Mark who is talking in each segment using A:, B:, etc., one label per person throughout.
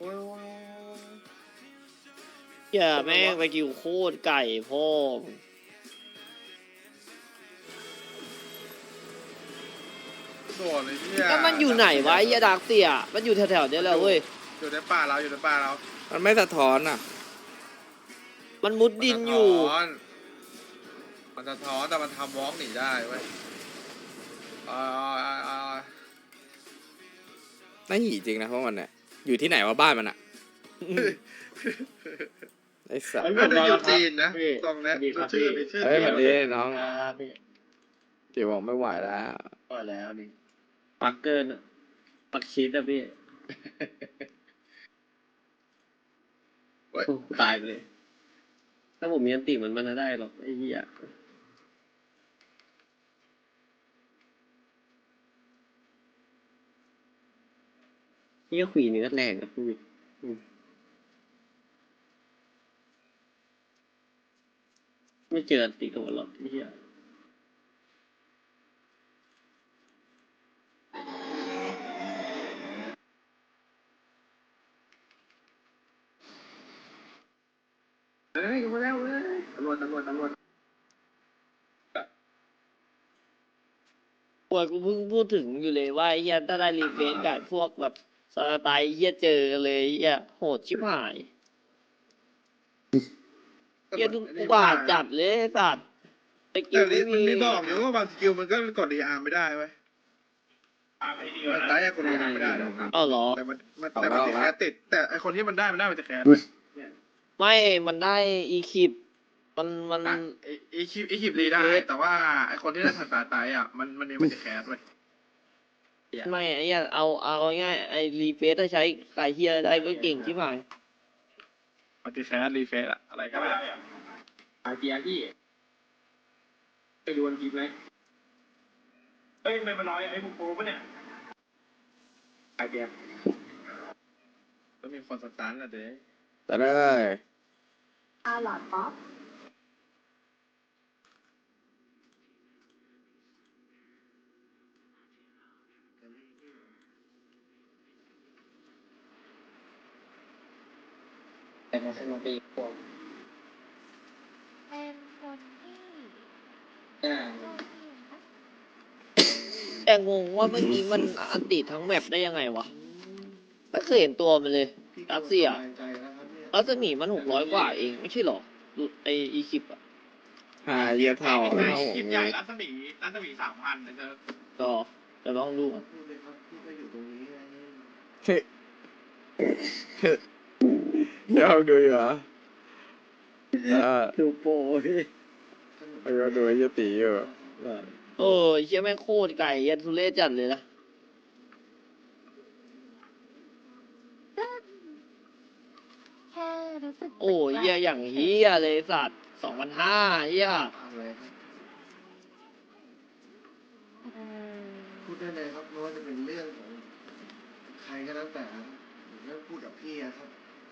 A: โอ้ย
B: อย่าแม่งไปกิวโคตรไก่พ่อ
A: โดดเลยเนี่ย
B: ก็มันอยู่ไหนวะไอ้ยาดักเสียมันอยู่แถวๆเนี้ยแหละเว้ย
A: อยู่ในป่าเราอยู่ในป่าเรา
C: มันไม่สะท้อนอ่ะ
B: มันมุดดินอยู่
A: มันสะท้อนแต่มันทำวอล์กหนีได้เว้ยอ่า
C: น่าหีจริงนะเพราะมันเนี่ยอยู่ที่ไหนวะบ้านมันอ่ะไอ้สัส
A: น่าจะอยู่จีนนะตรงเนี้ยชื่อ
C: เฮ้ยมันดีน้อง
D: พี่
C: เดี๋ยวบอกไม่ไหวแล้ว
D: พอแล้วนี่ปักเกินปักชีสอะพี่โอ้ตายไปเลย ถ้าผมมีอันติมันจะได้หรอกไอ้เหี้ยนี่ก็ขวีเนื้อแรงนะพี่ไม่เจออันติกับหรอกไอ้เหี้ยเฮ้ยมาแล้วเว้ยตำรวจ
B: ปวดกูเพิ่งพูดถึงอยู่เลยว่าไอ้เฮียถ้าได้รีเฟรชกับพวกแบบสไตล์เฮียเจอเลยเฮียโหดชิบหายเฮียทุกบาทจัดเลยสัตว์สกิ
A: แต่
B: ลไม่
A: มัน
B: มี
A: มีบอกอยู่ว่าบางสกิลมันก็กดดีอาร์ไม่ได้เว้ยมันได้กดดีอาร์ไม่ได้หรอก
B: อ้าวเหรอ
A: แต่มันติดแคสติดแต่ไอคนที่มันได้มันจะแคส
B: ไม่มันได้อีคิปมัน
A: อีคลิปรีได้แต่ว่าไอคนที่ได้ถัดตาตายอ่ะมันจะแคสเว้ย
B: ไม่ไอ้เฮียเอาง่ายไอ้รีเฟรชถ้าใช้ไก่เฮียได้ก็เก่งชิบหาย
A: มันจะแคสรีเฟซอะอะไรก็ได้
D: ไอเดียพี่ไปดูวันคลิปไหมเอ้ยไม่มาน้อยไอ้พวกโปรปะเนี่ยไอเดีย
A: ต้องมีคนสตาร์ทอะเด้
C: แต่ได้
E: อาหลอดป๊อป
D: แต่มาเป็นปีพวก
E: เป็นคนที่
D: อ่า
E: โชคดีนะคะ
B: แต่งงว่าเมื่อกี้มันอันติทั้งแมปได้ยังไงวะไม่เคยเห็นตัวมันเลยรัสเซียรัศมีมัน600 กว่าเองไม่ใช่หรอดูไออีคิปอะ
C: หาเยียเท่าเท่า
A: คลิปใหญ่รัศมี3,000นะเธอ
B: ก็จะลองดูก่อน
C: เฮ้ยเดี๋ยวดูอยู่เหรอ
D: ดูโปรพี่
C: เดี๋ยวดูไอ้เหี้ยตีอยู่
B: โอ้ยเชี่ยแม่งโคตรไก่ยันทุเรศจัดเลยนะ
E: แค่รู้สึก
B: โอ้ยเหี้ยอย่างเฮียเลยสัตว์2,500เฮีย
F: พูดได้เลยครับไม่ว่าจะเป็นเรื่องของใครก็แล้วแต่เรื่องพูดกับพี่อะครับ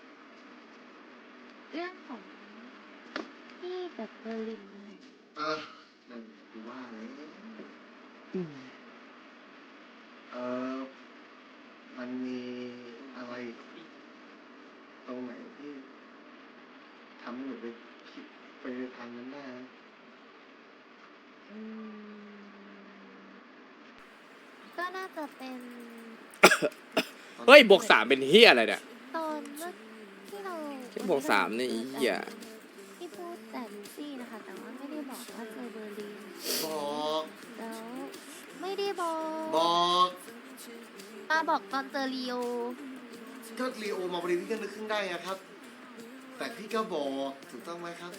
E: เรื่องของที่แบบเบอร์ลินนะคะ
F: นั่นคือว่าเลยมันมีอะไรตรงไหนที่ทำให้หนูไปคิดไปในทางนั้นได้นะ
E: อืมก็น่าจะเป็น
C: เฮ้ยบวก3เป็นเฮียอะไรเนี่ย
E: ตอนเมื่อที่เรา
C: แค่บวก3เนี่ยไอ้เหี้ย
E: ที่พูดแต่ลูซี่นะคะ แต่ว่าไม่ได้บอกว่าเจอเบอร์ลิน
F: บอก
E: แล้วไม่ได้บอก
F: บอก
E: มาบอกตอนเจอลีโอ
F: ก็ลีโอมาบริวิกันนึกขึ้นได้อะครับ แต่พี่ก็บอกถูกต้องไหมครับ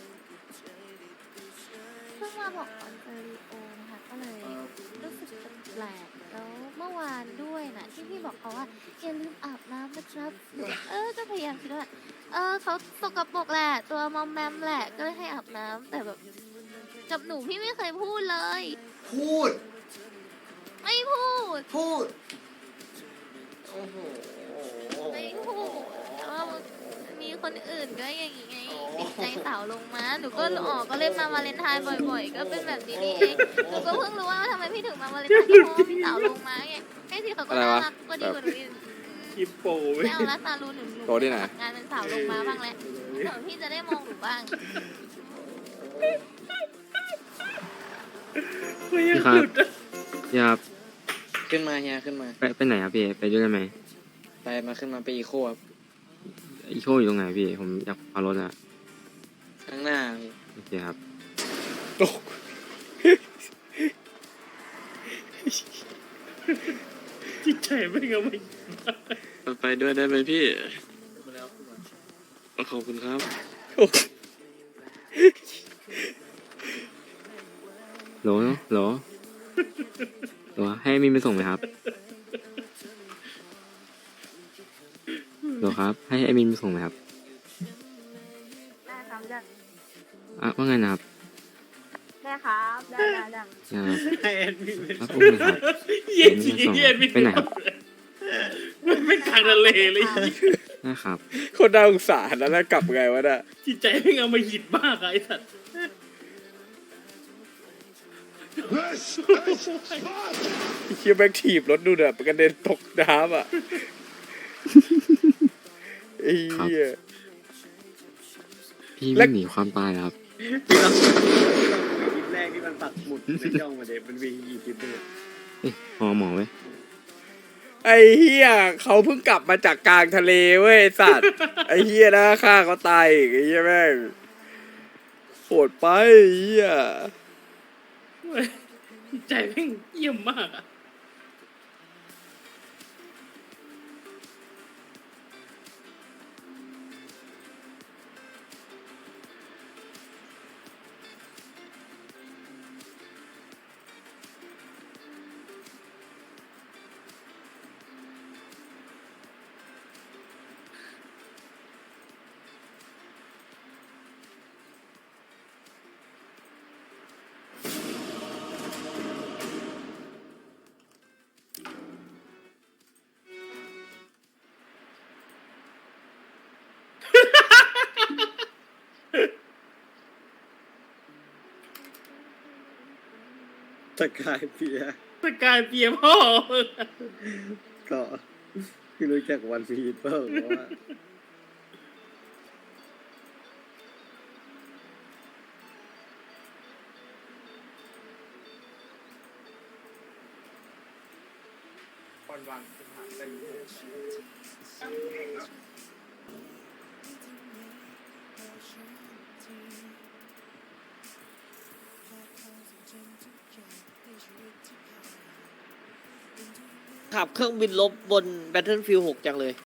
E: เพิ่งมาบอกตอนเจอลีโอนะคะก็เลย รู้สึกแปลกๆแล้วเมื่อวานด้วยนะที่พี่บอกเขาว่าอย่าลืมอาบน้ำนะครับหนูก็พยายามคิดว่าเขาสกปรกแหละตัวมอมแมมแหละก็เลยให้อาบน้ำแต่แบบกับหนูพี่ไม่เคยพูดเลย
F: พูด
E: ไม่พูด
F: พูด โอ้โห
E: ไม่พูดแต่ว่ามีคนอื่นก็อย่างงี้ไงติดใจสาวลงมาหนูก็ก็เล่นมาวาเลนไทน์บ่อยๆ ก็เป็นแบบนี้นี่เองหนูก็เพิ่งรู้ว่าทำไมพี่ถึงมาวาเลนไทน์ก็เพราะว่าพี่สาวลงมาไงให้สิเขาก็น่ารักก็ดีกว่าหนูอีก
C: คิปโปเว้ย
E: ไม่เอาละซาลูหนู
C: โตที่ไหน
E: สมัครงานเป็นสาวลงมาบ้างแล้วเดี๋ยวพี่จะได้มองหนูบ้าง
G: พี่ครับพี่ครับ
H: ขึ้นมาเฮียขึ้นมา
G: ไปไหนครับพี่ไปด้วยได้ไหม
H: ไปมาขึ้นมาไปอีโคครับ
G: อีโคอยู่ตรงไหนพี่ผมอยากเอารถอะ
H: ข้างหน้าพี่
G: โอเคครับ
C: ตก จิตใจไม่ก็ไม่
I: ไปด้วยได้ไหมพี่ขอบคุณครับ
G: โหลโหลโหลให้มินไปส่งไหมครับโหลครับ ให้ไอมินไปส่งไหมครับ
E: ได้ครับได้
G: อ่ะว่าไงนะครับ
E: ได้ครับได้
G: นะครับ
C: ให้แอดมินไป
G: ครับ
C: ส่ง
G: อุ้มเลยครับ
C: เย็นจริงๆแอดมิน
G: ไปไหนครับ
C: มันไม่กลางทะเลเลย
G: นะครับ
C: คนน่าสงสารนะแล้วกลับไงวะน่ะจิตใจไม่เอามาหิดมากอะไอ้สัตว์เคียแบกถีบรถดูเนี่ยกระเด็นตกน้ำอ่ะไอ้เหี้ย
G: พี่ไม่หนีความตายเหรอครับ
I: คลิปแรกที่มันปักหมุดในช่องมาเด็มันมีกี่คลิปเลย
G: เอ้ยหมอไว้ย
C: ไอ้เหี้ยเขาเพิ่งกลับมาจากกลางทะเลเว้ยไอ้สัตว์ ไอ้เหี้ยนะฆ่าเขาตายอีกไอ้เหี้ยแม่งโหดไปไอ้เหี้ยใจแม่งเยี่ยมมากอะ
I: สกายเปีย
C: สกายเปียพ่อ
I: ก็พี่รู้จักวันพีทเปล่าว่า
B: ขับเครื่องบินลบบน Battlefield 6 จังเลย